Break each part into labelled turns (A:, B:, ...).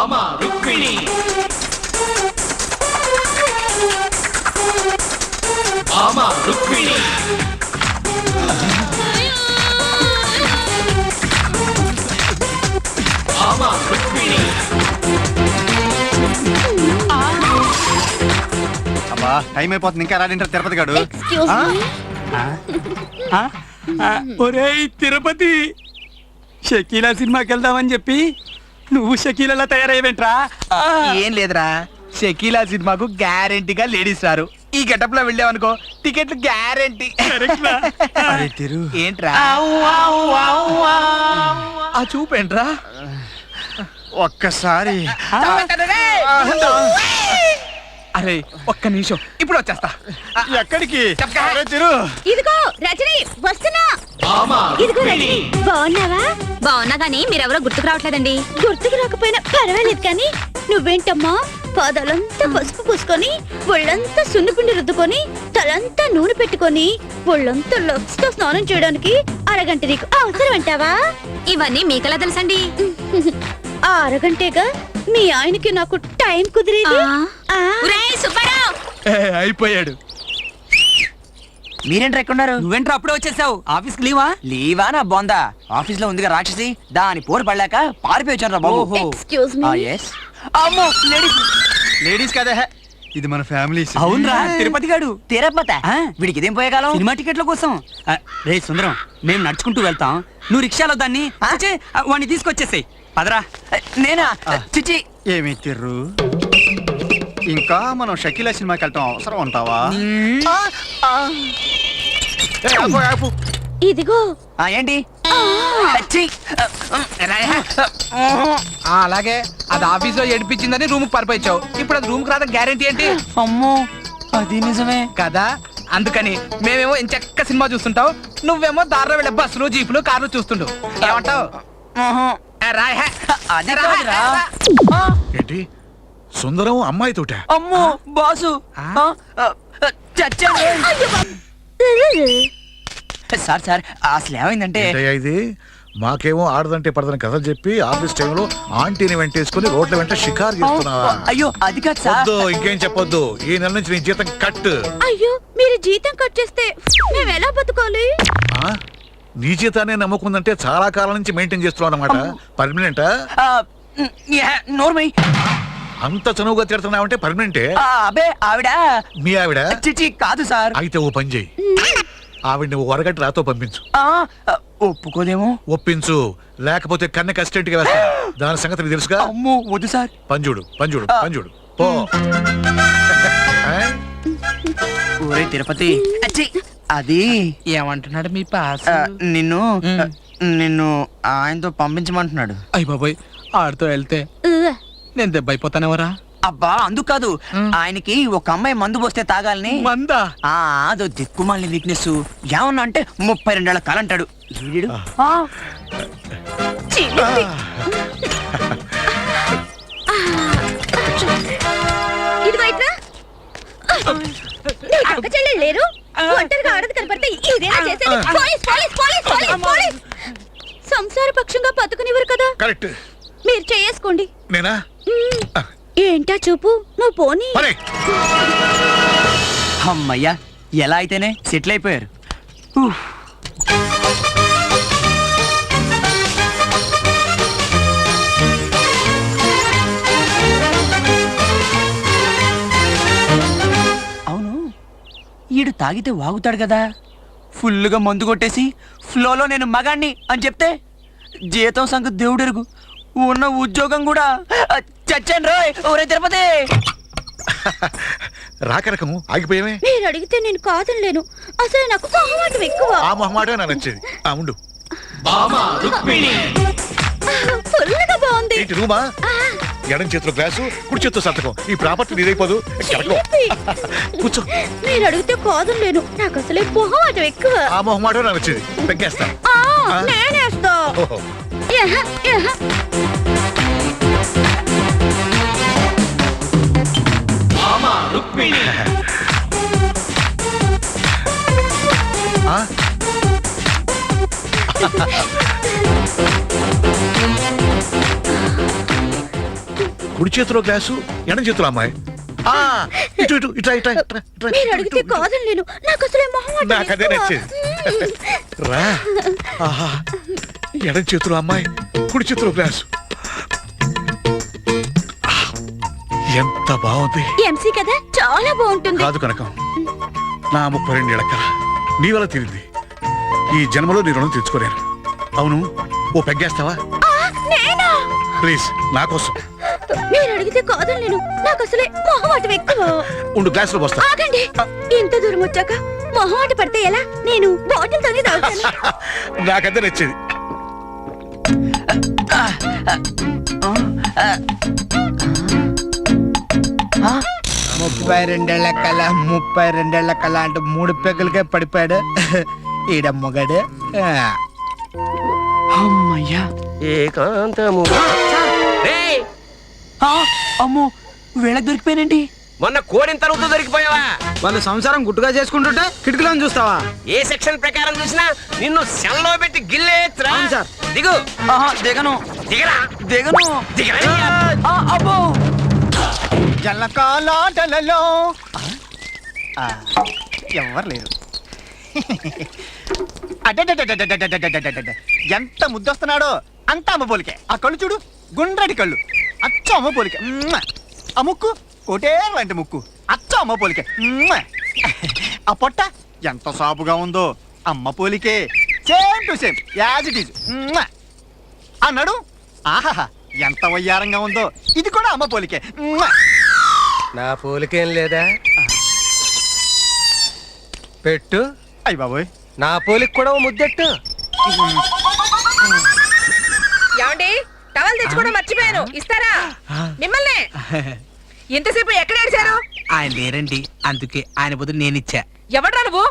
A: బామా రుక్మిణి బామా రుక్మిణి బామా రుక్మిణి.
B: అబ్బా టైం అయిపోతుంది, ఇంకా రాడింటారు తిరుపతి గాడు.
C: ఒరేయ్ తిరుపతి, షకీలా సినిమాకి వెళ్దామని చెప్పి నువ్వు షకీలలా తయారయ్యేంట్రా?
D: ఏం లేదురా, షకీలా సినిమాకు గ్యారెంటీగా లేడీస్ రారు. ఈ గెటప్ లో వెళ్ళావనుకో టికెట్లు గ్యారెంటీ. ఏంట్రా ఆ చూపేంట్రా?
B: ఒక్కసారి
D: అరే ఒక్క నిమిషం, ఇప్పుడు వచ్చేస్తా.
B: ఎక్కడికి?
E: ఇదిగో రజని వస్తున్నా.
A: బామా
E: ఇదిగో రజని, బాగున్నావా?
F: బాగున్నా గానీ మీరెవరో గుర్తుకు రావట్లేదండి.
E: గుర్తుకు రాకపోయినా పర్వాలేదు కానీ నువ్వేంటమ్మా పాదాలంతా పసుపు పూసుకొని ఒళ్ళంతా సున్నిపిండి రుద్దుకొని తలంతా నూనె పెట్టుకొని ఒళ్ళంతా లక్స్ తో స్నానం చేయడానికి అరగంట నీకు అవసరం అంటావా?
F: ఇవన్నీ మీకెలా తెలుసండి?
E: ఆ అరగంటేగా మీ ఆయనకి నాకు టైం కుదిరేది.
F: ఒరేయ్ సుబ్బారావు,
D: అయిపోయాడు.
G: మీరేంట్రా ఎక్కడున్నారు?
C: నువ్వేంట్రా అప్పుడే వచ్చేసావు? ఆఫీస్ లీవా?
G: లీవా నా బొందా, ఆఫీస్ లో ఉందిగా రాక్షసి, దాని పోరు పడలేక పారిపోయి వచ్చాను రా బాబు.
E: Excuse me.
G: ఎస్. అమ్మో లేడీస్.
B: లేడీస్ కదే, ఇది మన ఫ్యామిలీ.
C: అవునరా తిరుపతి గాడు.
G: తీరపోతా వీడికి ఇదేం పోయే కాలం?
C: సినిమా టికెట్ల కోసం. రే సుందరం, మేము నడుచుకుంటూ వెళ్తాం, నువ్వు రిక్షాలో దాన్ని వాడిని తీసుకొచ్చేసాయి. పదరా.
G: నేనా? చిచి.
B: ఏమి తిర్రు, ఇంకా మనం షకీలా సినిమాకి వెళ్తాం అవసరం ఉంటావా?
E: ఇదిగో
G: ఏంటి?
D: అలాగే అది ఆఫీస్ లో ఏడిపించిందని రూమ్ పరిపోయించావు. ఇప్పుడు అది రూమ్ కి రాదా గ్యారెంటీ ఏంటి?
G: అమ్మో అది నిజమే
D: కదా, అందుకని మేమేమో ఇంచక్క సినిమా చూస్తుంటావు, నువ్వేమో దారిలో వెళ్ళే బస్సులు జీపులు కార్లు చూస్తుంటావు. ఏమంటావు?
H: ఏంటి సుందరం అమ్మాయితోట?
G: అమ్మో బాసు చచ్చాను. సార్ సార్ అసలు ఏమైందంటే
H: ఇది మాకేమో ఆడదంటే పడదని కథలు చెప్పి ఆఫీస్ టైంలో ఆంటీని వెంటేసుకుని రోడ్ల వెంట షికారు చేస్తున్నావా?
G: అయ్యో అది కాదు సార్.
H: ఇంకేం చెప్పొద్దు, ఈ నెల నుంచి నీ జీతం కట్.
E: అయ్యో మీరు జీతం కట్ చేస్తే మేము ఎలా బతకాలి?
H: నీ జీతాన్ని నమ్ముకుందంటే చాలా కాలం నుంచి మెయింటైన్ చేస్తున్నావు అన్నమాట. పర్మనెంటా?
G: నోర్మై
H: అంత చనువుగా తిడుతున్నావంటే పర్మనెంటే?
G: అబే ఆవిడ.
H: మీ ఆవిడ?
G: చిచి కాదు సార్.
H: అయితే ఓ పని చేయి, ఆవిడ నువ్వు వరగంట రాతో పంపించు.
G: ఒప్పుకోదేమో.
H: ఒప్పించు, లేకపోతే కన్నె కస్టెంట్ గా వేస్తా. దాని సంగతి నీకు తెలుసుగా.
G: అమ్మో వద్దు సార్.
H: పంజుడు పంజుడు పంజుడు పో.
G: ఊరే తిరుపతి, అది
D: ఏమంటున్నాడు మీ పాస్?
G: నిన్ను నిన్ను ఆయనతో పంపించమంటున్నాడు.
D: అయ్య బాబోయ్, ఆడితో వెళ్తే నేను దెబ్బ అయిపోతానేవరా?
G: అబ్బా అందుకు కాదు, ఆయనకి ఒక అమ్మాయి మందు పోస్తే తాగాలని.
D: మందా?
G: అదో దిక్కుమాలిన వీక్నెస్. ఏమన్నా అంటే 32 ఏళ్ల కాలంటాడు.
E: ఇదిగో ఇట్రా. అక్క చెల్లెలు లేరు, ఒంటరిగా ఆడది కనపడితే ఇదేనా చేసేది? Police police police police police. సంసార పక్షంగా బతుకునివ్వరు కదా.
H: కరెక్ట్.
E: మీరు చేసుకోండి.
H: నేనా?
E: ఏంటా చూపు, నువ్వు పోనీ.
G: అమ్మయ్యా, ఎలా అయితేనే సెటిల్ అయిపోయారు. అవును, ఈడు తాగితే వాగుతాడు కదా. ఫుల్లుగా మందు కొట్టేసి ఫ్లోలో నేను మగాణ్ణి అని చెప్తే జీతం సంగతి దేవుడెరుగు, ఉన్న ఉద్యోగం కూడా చచ్చాను రోయ్. ఊరే తిరుపతి.
H: రాకరకము ఆగిపోయామే.
E: మీరు అడిగితే నేను కాదనలేను, అసలు నాకు మొహమాటం ఎక్కువ.
H: ఆ మొహమాటే నాకు నచ్చేది. ఉండు.
A: బామా రుక్మిణి.
E: ఫుల్గా బాగుంది.
H: ఏంటి రూమా? ఎడం చేతిలో గ్లాసు, కుడి చేతిలో సంతకం. ఈ ప్రాపర్టీ నీదైపోదు. కూర్చో.
E: మీరు అడిగితే కాదనలేను, నాకు అసలే మొహమాటం ఎక్కువ.
H: ఆ మొహమాటే నాకు నచ్చేది. పెగ్గేస్తా.
E: నేనేస్తా.
A: బామా రుక్మిణి.
H: కుడి చేతిలో గ్లాసు ఎడం చేతిలో అమ్మాయి ఆ, ఇటు ఇటు ఇట్రా ఇట్రా ఇట్రా, ఇట్రా,
E: మీరు
H: ఇటు,
E: అడిగితే
H: ఇటు, ఇటు.
E: కాదని నేను నాకు అసలే మొహం
H: నాకు అదే నచ్చేది రా ఆహా ఎడం చేతిలో అమ్మాయి కుడి చేతిలో గ్లాసు ఆ, ఎంత బాగుంది
E: ఎంసీ కదా చాలా బాగుంటుంది
H: కాదు కనకం నా 32 ఏళ్ల కల నీ వల్ల తీరింది ఈ జన్మలో నీ రుణం తెచ్చుకోలేను అవును ఓ పెగ్గేస్తావా
E: నేనా
H: ప్లీజ్ నా కోసం
E: మీరు అడిగితే కాదని నేను నాకు అసలే మొహమాట ఎక్కువ
H: ఉండు గ్లాసులో పోస్తా
E: ఆగండి ఇంత దూరం వచ్చాక మొహమాట పడితే ఎలా నేను బాటిల్ తోనే తాగుతాను
H: నాకదే నచ్చేది
D: ముప్పై రెండేళ్ల కళ 32 కళ అంటూ 3 పెగ్గులకే పడిపోయాడు ఈడ మొగడు
G: అమ్మయ్యా
A: ఏకాంతము రేయ్,
G: ఆ, అమ్మో వీళ్ళకి దొరికిపోయానండి
A: మొన్న కోడిన తరుగుతూ దొరికిపోయావా?
D: వాళ్ళు సంసారం గుట్టుగా చేసుకుంటుంటే కిటికీలను చూస్తావా
A: ఏ సెక్షన్ ప్రకారం చూసినా నిన్ను సెల్లో పెట్టి గిల్లేత్రా.
D: అవును సార్.
A: దిగు
G: ఆహా దిగను
A: దిగరా
G: దిగను
A: దిగరా.
G: ఆ, అబ్బో
D: జలకాలాటలలో ఎవరు లేరు అడ్డడ్డడ్డడ్డడ్డడ్డడ్డడ్డడ్డడ్డడ్డడ్డ. ఎంత ముద్దొస్తున్నాడో అంత అమ్మ పోలికే ఆ కళ్ళు చూడు గుండ్రటి కళ్ళు అచ్చ అమ్మ పోలికే మ్మ్. ఆ ముక్కు కోటే లాంటి ముక్కు అచ్చ అమ్మ పోలికే మ్మ్. ఆ పొట్ట ఎంత సాపుగా ఉందో అమ్మ పోలికే same to same as it is అన్నాడు ఆహాహా ఎంత వయ్యారంగా ఉందో ఇది కూడా అమ్మ పోలికే మ్మ్.
I: నా పోలికేం లేదా పెట్టు
D: అయ్య బాబోయ్
I: నా పోలికి కూడా ఓ ముద్దెట్టు
J: ఏమండి టవల్ తెచ్చుకోవడం మర్చిపోయాను ఇస్తారా మిమ్మల్ని ఎంతసేపు ఎక్కడ ఏడిచారు
D: ఆయన లేరండి అందుకే ఆయన బదులు నేను ఇచ్చా
J: ఎవడ్రా నువ్వు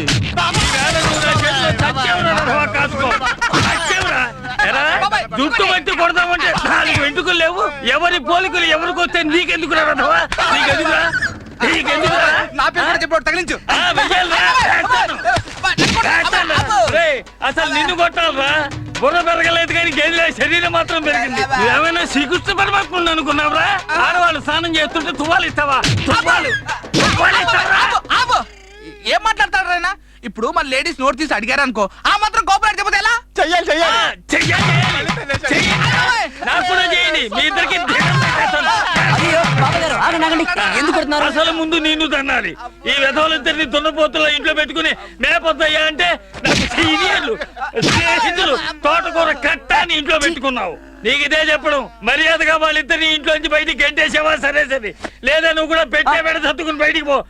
C: దుట్టు బట్టి కొడదామంటే 4 వెంట్రుకలు లేవు. ఎవరి పోలికలు ఎవరికి వస్తే నీకెందుకు రావా? నీకెందుకురా? నీకెందుకురా?
D: నా పేరు కూడా చెప్పాడు తగిలించు
C: ఆ, వెయ్యాలిరా. వేస్తాను. రేయ్, అసలు నిన్ను కొట్టాలరా బుర్ర పెరగలేదు కానీ గేదెల శరీరం మాత్రం పెరిగింది. ఏమైనా శ్రీకృష్ణ పరమాత్మ అనుకున్నావురా? ఆడవాళ్ళు స్నానం చేస్తుంటే తువ్వాలు ఇస్తావా? తువ్వాలు ఇస్తావా?
D: ఏం మాట్లాడతాడు ఆయన ఇప్పుడు మన లేడీస్ నోట్ తీసి అడిగారు అనుకో ఆ మాత్రం కోపరేట్ చెప్పదు ఎలా చెయ్యాలి చెయ్యాలి
C: నాకు కూడా చేయండి. మీ ఇద్దరికి
G: అయ్యో బాబాయ్ గారు ఆగండి ఆగండి ఎందుకు కొడుతున్నారు
C: అసలు ముందు నిన్ను తన్నాలి. ఈ విధవులిద్దరిని దున్నపోతుల ఇంట్లో పెట్టుకుని మేపొద్దయ్యా అంటే నాకు సీనియర్లు స్నేహితులు తోటకూర కట్టాన్ని ఇంట్లో పెట్టుకున్నావు. నీకు ఇదే చెప్పడం మర్యాదగా వాళ్ళిద్దరిని ఇంట్లోంచి బయటికి గంటేసావా సరే సరే, లేదా నువ్వు కూడా పెట్టే పెడ సర్దుకుని బయటికి పో.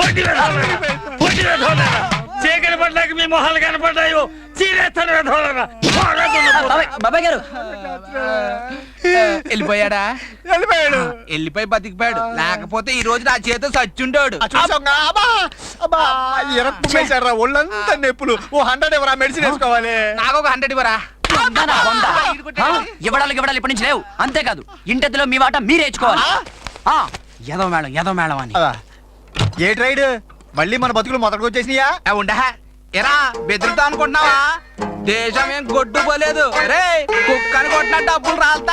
C: చీకటి పడ్డాక మీ మొహాలు కనపడ్డాయో చీరేస్తాను విధవులరా.
G: బాబాయ్ గారు
D: వెళ్ళిపోయాడా వెళ్ళిపోయి బతికిపోయాడు లేకపోతే ఈ రోజు నా చేత సచ్చుంటాడు ఒళ్ళంతా నొప్పులు ఓ 100 ఎవరా మెడిసిన్ వేసుకోవాలి నాకు ఒక 100 ఇవ్వరా
G: ఇవ్వడాలి ఇప్పటి నుంచి లేవు. అంతేకాదు ఇంటెద్దులో మీ వాట మీరే ఇచ్చుకోవాలి. ఎదో మేళం అని
B: ఏ ట్రైడ్ మళ్ళీ మన బతుకులు మొదటికి వచ్చేసినాయా
D: ఉండా ఎరా బెదిరితా అనుకుంటున్నావా దేశం ఏం గొడ్డు పోలేదు రే కుక్కని కొట్టిన డబ్బులు రాల్తా